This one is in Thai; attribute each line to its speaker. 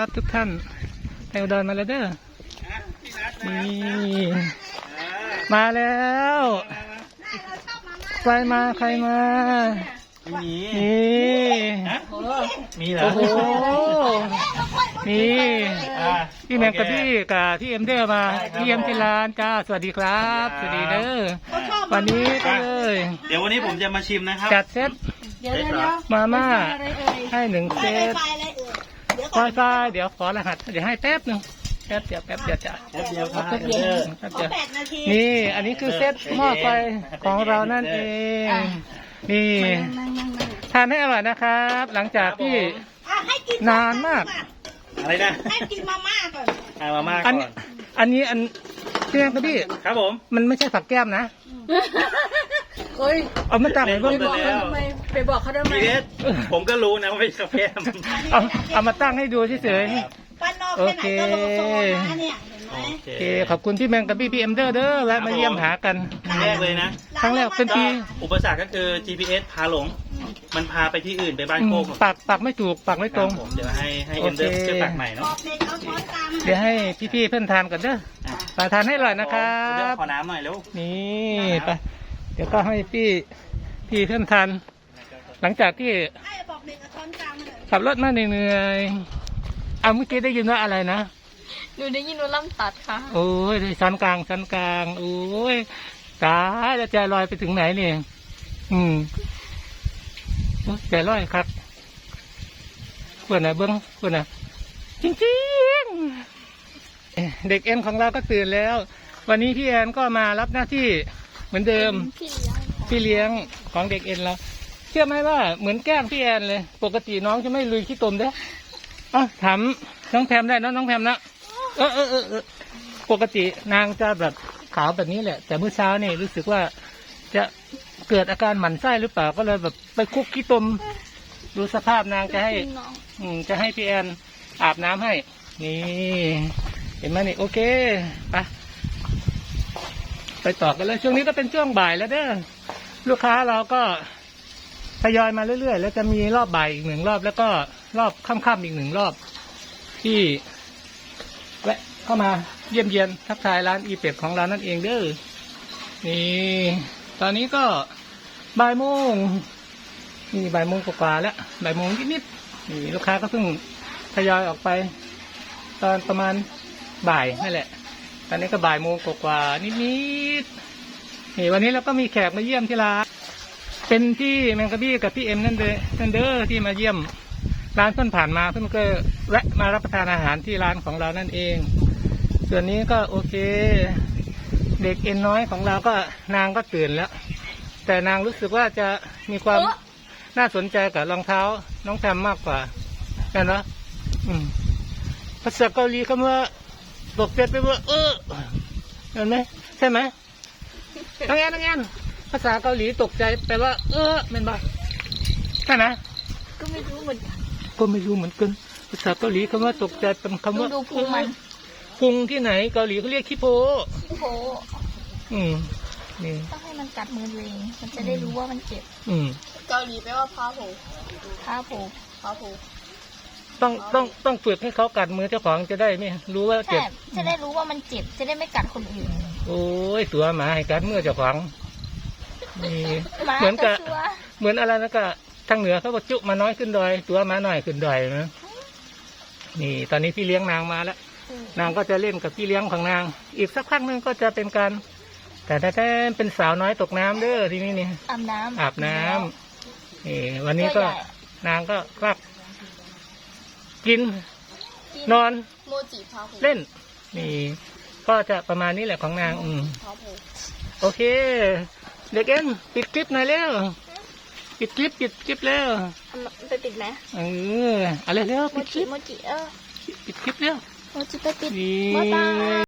Speaker 1: ทุกท่านไปอุดรมาแล้วเด้อนี่มาแล้วใครมานี่
Speaker 2: มีเหรอ
Speaker 1: โอ้โหนี่พี่แมงกับพี่เอ็มเดอร์มาพี่เอ็มที่ร้านจ้าสวัสดีครับสวัสดีเด้อวันนี้ก็เลย
Speaker 2: เดี๋ยววันนี้ผมจะมาชิมนะครับ
Speaker 1: จัดเซตมาม่าให้1 เซตไฟเดี๋ยวขอรหัสเดี๋ยวให้แป๊บนึงแป๊บเดียวจ้ะแป๊บเดียวนี่อันนี้คือเซตหม้อไฟของเรานั่นเองนี่ทานให้อร่อยนะครับหลังจากที่นานมาก
Speaker 2: อะไรนะ
Speaker 3: ให้กินมาม่าก่อน
Speaker 2: มาม่าก่อน
Speaker 1: อันนี้พี่แมงกับพี่
Speaker 2: ครับผม
Speaker 1: มันไม่ใช่ผักแก้มนะ
Speaker 3: เฮ้ย
Speaker 1: เอามาตั้งไว้บน
Speaker 3: ไปบอกเขาทำไม
Speaker 2: ผมก็รู้นะว่าเป็นกาแฟ
Speaker 1: เอามาตั้งให้ดูเฉย
Speaker 3: ๆโอเค
Speaker 1: โอเคขอบคุณพี่แมงกับพี่เอ็มเดอร์และมาเยี่ยมหากัน
Speaker 2: ครั้งแรกเลยนะ
Speaker 1: ครั้งแรกเป็นปี
Speaker 2: อุปสรรคก็คือ GPS พาหลงมันพาไปที่อื่นไปบ้านโคก
Speaker 1: ปักไม่ถูกปักไม่ตรง
Speaker 2: เดี๋ยวให้เอ็มเดอร์ช่วยปักใหม่เนาะ
Speaker 1: เดี๋ยวให้พี่เพื่อนทานกันเด้อไปทานให้อร่อยนะครับ
Speaker 2: ขอน้ำหน่อยเร็ว
Speaker 1: นี่ไปเดี๋ยวก็ให้พี่เพื่อนทานหลังจากที่ขับรถมาเหนื่อยเมื่อกี้ได้ยินว่าอะไรนะ
Speaker 3: หนูได้ยินว่าล่ำตัดค่ะ
Speaker 1: โอ้ยชั้นกลางโอ้ยตายแล้วใจลอยไปถึงไหนเนี่ยใจลอยครับเพื่อนน่ะเบิ้งเพื่อนน่ะจริงเด็กเอ็นของเราก็ตื่นแล้ววันนี้พี่แอนก็มารับหน้าที่เหมือนเดิมพี่เลี้ยงของเด็กเอ็นเราเชื่อไหมว่าเหมือนแกล้งพี่แอนเลยปกติน้องจะไม่ลุยขี้ตมเด้ถามน้องแพมได้นะน้องแพมนะปกตินางจะแบบขาวแบบนี้แหละแต่เมื่อเช้านี่รู้สึกว่าจะเกิดอาการหมั่นไส้หรือเปล่าก็เลยแบบไปคุกขี้ตมดูสภาพนางจะให้พี่แอนอาบน้ำให้นี่เห็นไหมนี่โอเคไปต่อกันเลยช่วงนี้ก็เป็นช่วงบ่ายแล้วเด้อลูกค้าเราก็ทยอยมาเรื่อยๆแล้วจะมีรอบบ่ายอีก1 รอบแล้วก็รอบค่ำๆอีก1 รอบที่แวะเข้ามาเยี่ยมเยียนทักทายร้านอีเป็ดของเรานั่นเองเด้อนี่ตอนนี้ก็บ่ายโมงนี่บ่ายโมงกว่าแล้วบ่ายโมงนิดๆนี่ลูกค้าก็เพิ่งทยอยออกไปตอนประมาณบ่ายนั่นแหละตอนนี้ก็บ่ายโมงกว่านิดๆนี่วันนี้เราก็มีแขกมาเยี่ยมที่ร้านเป็นพี่แมงกะบี้กับพี่เอ็มนั่นเด้อที่มาเยี่ยมร้านเพิ่นผ่านมาเพิ่นก็แวะมารับประทานอาหารที่ร้านของเรานั่นเองส่วนนี้ก็โอเคเด็กเอ็นน้อยของเราก็นางก็ตื่นแล้วแต่นางรู้สึกว่าจะมีความน่าสนใจกับรองเท้าน้องแพมมากกว่าเห็นไหมภาษาเกาหลีคำว่าตกใจไปว่าเห็นไหมใช่ไหมน้องแอนภาษาเกาหลีตกใจแปลว่าเป็นบ่ใช่ไหม
Speaker 3: ก็ไม่รู้เหมือน
Speaker 1: กันภาษาเกาหลีคำว่าตกใจเป็นคำว่า
Speaker 3: ดูพุงมัน
Speaker 1: พุงที่ไหนเกาหลีเขาเรียกขี้โพนี่
Speaker 3: ต้องให้มันกัดมือตัวเองมันจะได้รู้ว่ามันเจ็บเกาหลีแปลว่าพาโผ
Speaker 1: ต้องฝึกให้เขากัดมือเจ้าของจะได้ไม่รู้ว่าเจ็บ
Speaker 3: จะได้รู้ว่ามันเจ็บจะได้ไม่กัดคนอื่น
Speaker 1: โอ้ยตัวหมาให้กัดมือเจ้าของนี่เหมือนอะไรนะก็ทางเหนือเขาบอกจุมาน้อยขึ้นดอยตัวมาหน่อยขึ้นดอยนะนี่ตอนนี้พี่เลี้ยงนางมาแล้วนางก็จะเล่นกับพี่เลี้ยงของนางอีกสักพักนึงก็จะเป็นการแต่เป็นสาวน้อยตกน้ำเด้อทีนี้นี่อาบน้ำนี่วันนี้ก็นางก็คลักกินนอนเล่นนี่ก็จะประมาณนี้แหละของนางโอเคเด็กเอ็นปิดคลิปหน่อยเร็วปิดคลิปแล้ว
Speaker 3: ไปปิดไหม
Speaker 1: อะไรเร็วปิดคลิป
Speaker 3: โมจิ
Speaker 1: ปิดคลิปเร็ว
Speaker 3: โมจิไปปิด
Speaker 1: บ๊ายบาย